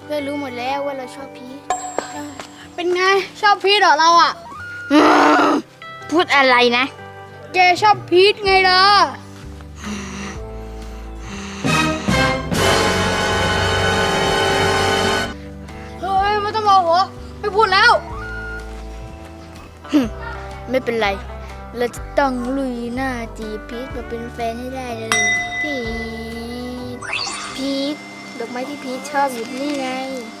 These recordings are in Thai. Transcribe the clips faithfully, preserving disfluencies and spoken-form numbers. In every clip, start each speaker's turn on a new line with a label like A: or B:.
A: พื่อนรู้หมดแล้วว่าเราชอบพีท
B: เป็นไงชอบพีทเหรอเราอ่ะ
A: พูดอะไรนะ
B: แกชอบพีทไงล่ะเฮ้ยไม่ต้องโมโหไม่พูดแล้ว
A: ไม่เป็นไรเราจะต้องลุยหน้าจีบพีทมาเป็นแฟนให้ได้เลยพีทพีทดอกไม้ที่พีทชอบอยู่นี่ไง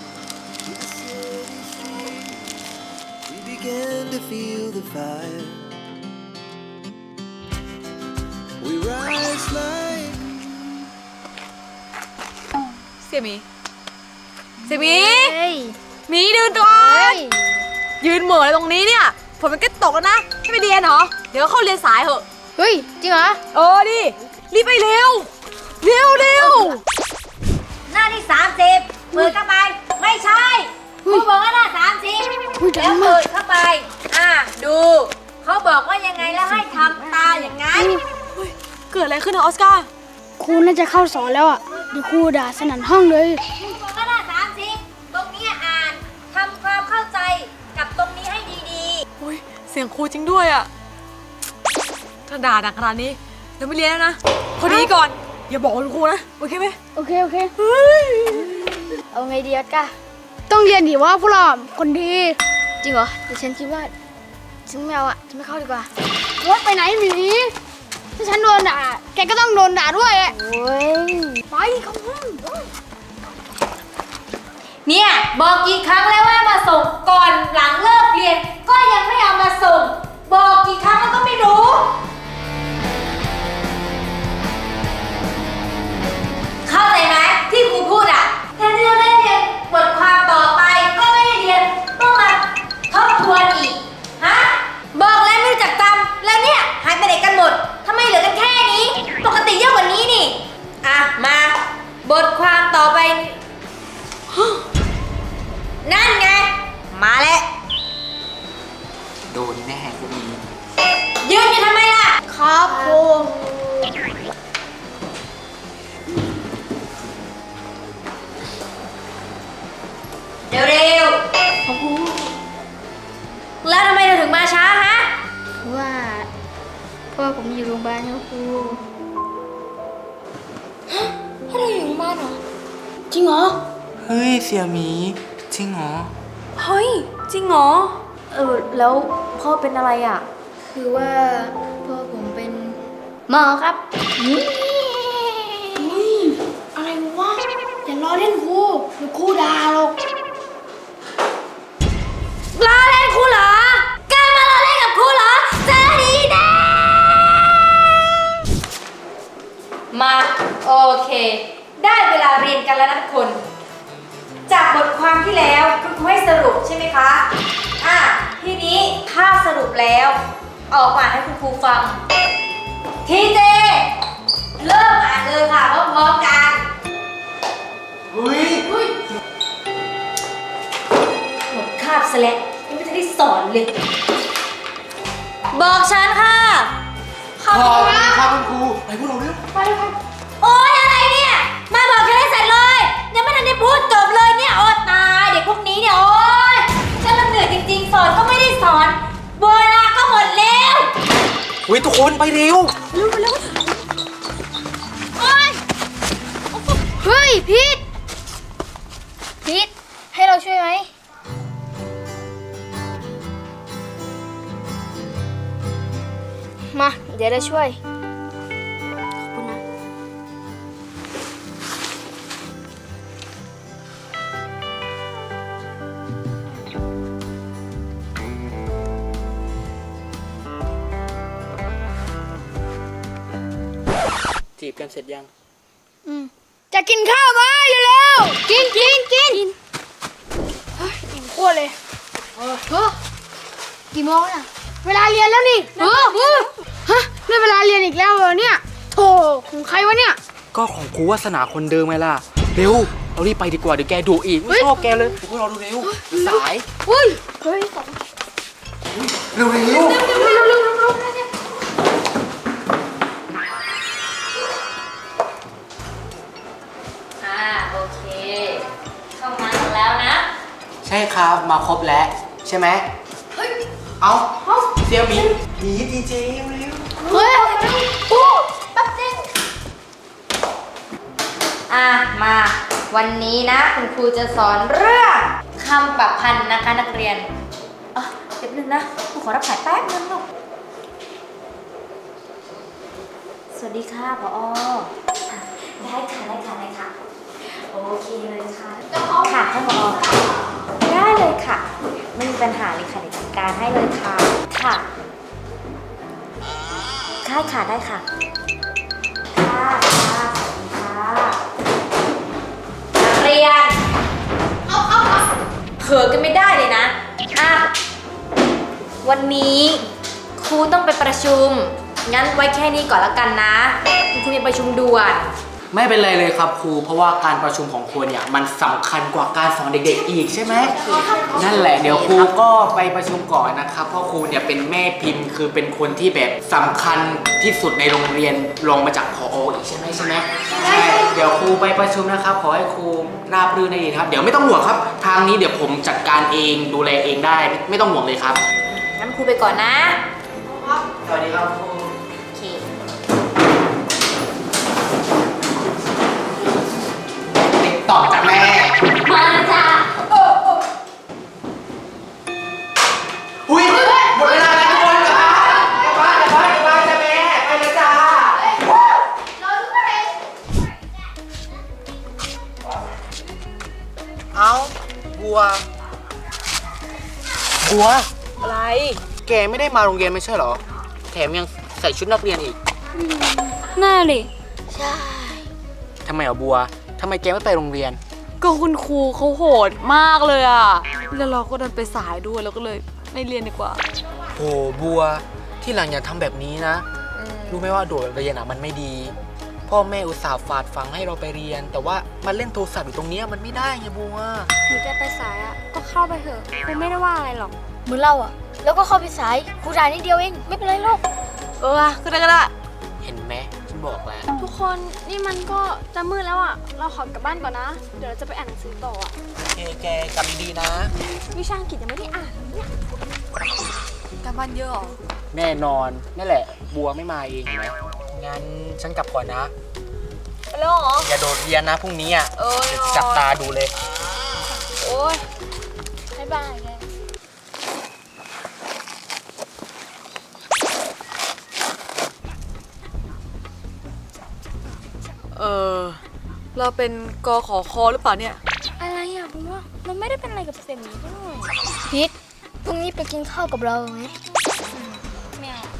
C: Began to feel the fire. We rise like
D: เสี่ยหมีเสี่ยหมี
A: เฮ้ย
D: หมีดูก่อนยืนเหม่ออะไรตรงนี้เนี่ยฝนมันก็ตกแล้วนะไม่ไปเรียนเหรอเดี๋ยวเข้าเรียนสายเหอะ
A: เฮ้ยจริงเหรอ
D: เออดิรีบไปเร็วเร็วเร็ว
E: หน้าที่สามสิบเปิดเข้าไปไม่ใช่ครูบอกว่าหน้าสามสิบแล้วเปิดเข้าไปอ่ะดูเขาบอกว่ายังไงแล้วให้ทำตาอย่างนั้น
D: เกิดอะไรขึ้นอะออสการ์
B: ครูน่าจะเข้าสอนแล้วอ่ะเดี๋ยวครูด่าสนั่นห้องเลย
E: ครูบอกว่าหน้าสามสิบตรงนี้อ่านทำความเข้าใจกับตรงนี้ให้ดีๆ
D: อุ้ยเสียงครูจริงด้วยอะถ้าด่าดังขนาดนี้เราไม่เรียนแล้วนะพอดีก่อนอย่าบอกคุณครูนะโอเคไหม
B: โอเคโอเค
A: เอาไงดีออสการ์
B: ต้องเรียนดิว่าพวกเราคนดี
A: จริงเหรอแต่ฉันคิดว่าฉันไม่เอาอะฉันไม่เข้าดีกว่า
B: วัดไปไหนหมีถ้าฉันโดนด่าแกก็ต้องโดนด่าด้วย
A: โอ้ย
B: ไปเข้าห้อง
E: เนี่ยบอกกี่ครั้งแล้วว่ามาส่งก่อนหลังเลิกเรียนก็ยังไม่เอามาส่งบอกกี่ครั้งแล้วก็ไม่รู้เข้าใจไหมที่ครูพูดอ่ะแทนที่จะได้เรียนบทความต่อไปก็ไม่ได้เรียนต้องมาทบทวนอีกฮะบอกแล้วไม่รู้จักจำแล้วเนี่ยหายไปไหนกันหมดทำไมเหลือกันแค่นี้ปกติเยอะกว่านี้นี่อ่ะมาบทความต่อไปนั่นไงมาแล้ว
C: โดนแน่พวกนี้
E: ยืนอยู่ทำไมล่ะ
B: ครับครู
E: เร็วๆแล้วทำไมเธอถึงมาช้าฮะ
A: เพราะว่าพ่อผมอยู่โรงพยาบาลครับครู
E: พ่อเราอยู่โรงพยาบาลเหรอ
B: จริงเหรอ
C: เฮ้ยเสี่ยหมีจริงเหรอ
D: เฮ้ยจริงเหรอเออแล้วพ่อเป็นอะไรอ่ะ
A: คือว่าพ่อผมเป็นหมอครับ
B: อะไรวะอย่าล้อเล่นครูเดี๋ยวครูด่าหรอก
E: ล้อเล่นครูเหรอแกมาล้อเล่นกับครูเหรอเจอดีแน่มาโอเคได้เวลาเรียนกันแล้วนะทุกคนจากบทความที่แล้วคุณครูให้สรุปใช่ไหมคะอ่ะทีนี้ถ้าสรุปแล้วออกมาให้คุณครูฟังทีเจเริ่มอ่านเลยค่ะพร้อมๆกัน
C: เฮ้ย
E: หมดคาบซะแล้วยังไม่ได้สอนเลยบอกฉันค่ะ
C: ขอบคุณครับคุณครูไปพวกเราเร็ว
E: ไปไปโอ๊ยอะไรเนี่ยมาบอกฉันให้เสร็จเลยยังไม่ทันได้พูดจบเลยเนี่ยโอ๊ยตายเด็กพวกนี้เนี่ยโอ๊ยฉันละเหนื่อยจริงๆสอนก็ไม่ได้สอนเวลาก็หมดแล้ว
C: เฮ้ยทุกคนไปเร็ว
E: เร็วเร็ว
A: โอ๊ยเฮ้ยพีทพีทให้เราช่วยไหมมาเดี๋ยวเราช่วยขอบคุณนะ
C: จีบกันเสร็จยัง
B: อืมจะกินข้าวไหมเร็วๆกินกินกินเฮ้ยอิ่มขั้วเลยเออเฮ้ยกี่โมงน่ะเวลาเรียนแล้วนี่เออเออฮะได้เวลาเรียนอีกแล้วเหรอเนี่ยโธ่ของใครวะเนี่ย
C: ก็ของครูวาสนาคนเดิมไงล่ะเร็วเรารีบไปดีกว่าเดี๋ยวแกดุอีกไม่ชอบแกเลยพวกเราดูเร็วสาย
B: เฮ้ยเฮ้ย
C: เร็วเร็วเร็วเร็ว
E: อ่าโอเคเข้ามา
C: นะครับ มาครบแล้วใช่ไหมเอาเสี่ยวหมิงหนีดีเจเร็ว
B: เฮ้ยครูแป๊บนึง
E: อ่ะมาวันนี้นะคุณครูจะสอนเรื่องคำประพันธ์นะคะนักเรียนอ่ะเดี๋ยวนึงนะครูขอรับสายแป๊บนึงลูกสวัสดีค่ะผอได้ค่ะได้ค่ะได้ค่ะโอเคเลยค่ะค่ะท่านผอได้เลยค่ะไม่มีปัญหาเลยค่ะเดี๋ยวจัดการให้เลยค่ะค่ะได้ค่ะได้ค่ะค่ะค่ะสวัสดีค่ะนักเรียนเอาเอาเอาเผลอกันไม่ได้เลยนะอ่ะวันนี้ครูต้องไปประชุมงั้นไว้แค่นี้ก่อนละกันนะคุณครูมีประชุมด่วน
C: ไม่เป็นไรเลยครับครูเพราะว่าการประชุมของครูเนี่ยมันสำคัญกว่าการสอนเด็กๆอีกใช่ไหมนั่นแหละเดี๋ยวครูก็ไปประชุมก่อนนะครับเพราะครูเนี่ยเป็นแม่พิมพ์คือเป็นคนที่แบบสำคัญที่สุดในโรงเรียนรองมาจากผออีกใช่ไหมใช่ไหมใช่เดี๋ยวครูไปประชุมนะครับขอให้ครูราบรื่นได้ดีครับเดี๋ยวไม่ต้องห่วงครับทางนี้เดี๋ยวผมจัดการเองดูแลเองได้ไม่ต้องห่วงเลยครับ
E: งั้นครูไปก่อนนะ
C: สวัสดีครับครู
E: โอเค
C: ติดต่อจากแม่
E: มาจ้ะ
C: อุ้ยหมดเวลาแล้วทุกคนกลับบ้านกลับบ้านกลับบ้านกลับบ้านจ้ะแม่ไปเลยจ้าเอาบัวบัว
D: อะไร
C: แกไม่ได้มาโรงเรียนไม่ใช่เหรอแถมยังใส่ชุดนักเรียนอีก
B: น่าเลย
C: ทำไมอ่ะบัวทำไมแกไม่ไปโรงเรียน
D: ก็คุณครูเขาโหดมากเลยอ่ะ แล้วเราก็ดันไปสายด้วยเราก็เลยไม่เรียนดีกว่า
C: โหบัวที่หลังอย่าทำแบบนี้นะรู้ไหมว่าโดดเรียนอ่ะมันไม่ดี พ่อแม่อุตส่าห์ฝากฝังให้เราไปเรียน แต่ว่ามาเล่นโทรศัพท์อยู่ตรงเนี้ยมันไม่ได้ไงบัว
B: หนูจะไปสายอ่ะก็เข้าไปเถอะครูไม่ได้ว่าอะไรหรอกเหมือนเราอ่ะแล้วก็เข้าไปสายครูด่านิดเดียวเองไม่เป็นไรหรอก
D: เออก็ได้ก็ได้
C: เห็นไหมฉันบอกแล้ว
B: ทุกคนนี่มันก็จะมืดแล้วอ่ะเราขอกลับบ้านก่อนนะเดี๋ยวเราจะไปอ่านหนังสือต่ออ่ะ
C: โอเคแกกลับดีๆนะ
B: วิชาอังกฤษยังไม่ได้อ่านเลยเนี่ย
D: การบ้านเยอะเหรอ
C: แน่นอนนั่นแหละ บัวไม่มาเองเห็นไหมงั้นฉันกลับก่อนนะ
D: ไปแล้วเหรอ
C: อย่าโดดเรียนนะพรุ่งนี้อ่ะ
D: เออ
C: เดี๋ยวจับตาดูเลย
D: โอ้ย
B: บ๊ายบายแก
D: เออเราเป็นกขอคอหรือเปล่าเนี่ย
B: อะไรอ่ะผมว่ามันไม่ได้เป็นอะไรกับเซมนี้ด้วยพีทพรุ่งนี้ไปกินข้าวกับเราไหมไม่เอา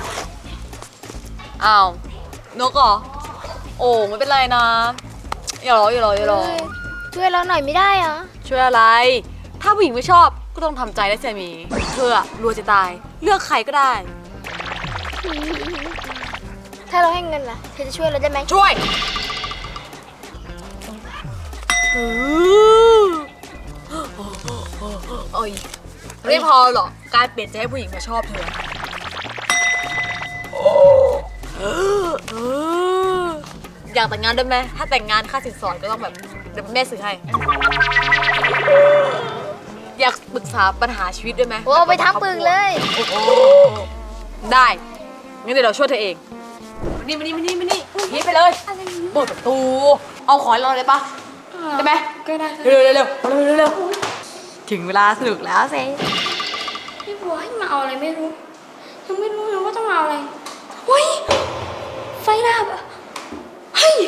D: อ้าว นกเหรอ โอ้ไม่เป็นไรนะ อย่ารออย่ารออย่ารอ
B: ช่วยเราหน่อยไม่ได้เหรอ
D: ช่วยอะไร ถ้าผู้หญิงไม่ชอบก็ต้องทำใจได้เสียหมีเธออะรวยจะตาย เลือกใครก็ได้
B: ถ้าเราให้เงินล่ะเธอจะช่วยเราได้ไหม
D: ช่วยโอ้ยไม่พอหรอก การเปลี่ยนใจให้ผู้หญิงมาชอบเธออยากแต่งงานด้วยไหม ถ้าแต่งงานค่าสินสอดก็ต้องแบบเดี๋ยวแม่ซื้อให้ อยากปรึกษาปัญหาชีวิตด้วยไหม
B: โอ้ไปทั้งปึงเลย
D: ได้ งั้นเดี๋ยวเราช่วยเธอเองมานี่มานี่มานี่มานี่พีทไปเลยเปิดประตู เอาขอให้เราเลยปะได้ไหม
B: ก็ได้
D: เร็วเร็วเร็วเร็วเร็วเร็วถึงเวลาสนุกแล้วเซ่
B: พี่บัวให้มาเอาอะไรไม่รู้ยังไม่รู้เลยว่าต้องเอาอะไรเฮ้ยไฟดับอ่ะเฮ้ย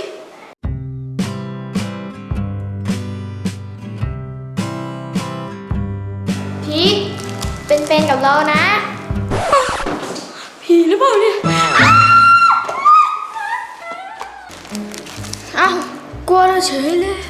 B: พีทเป็นแฟนกับเรานะผีหรือเปล่าเนี่ยอ้าวกลัวเราเฉยเลย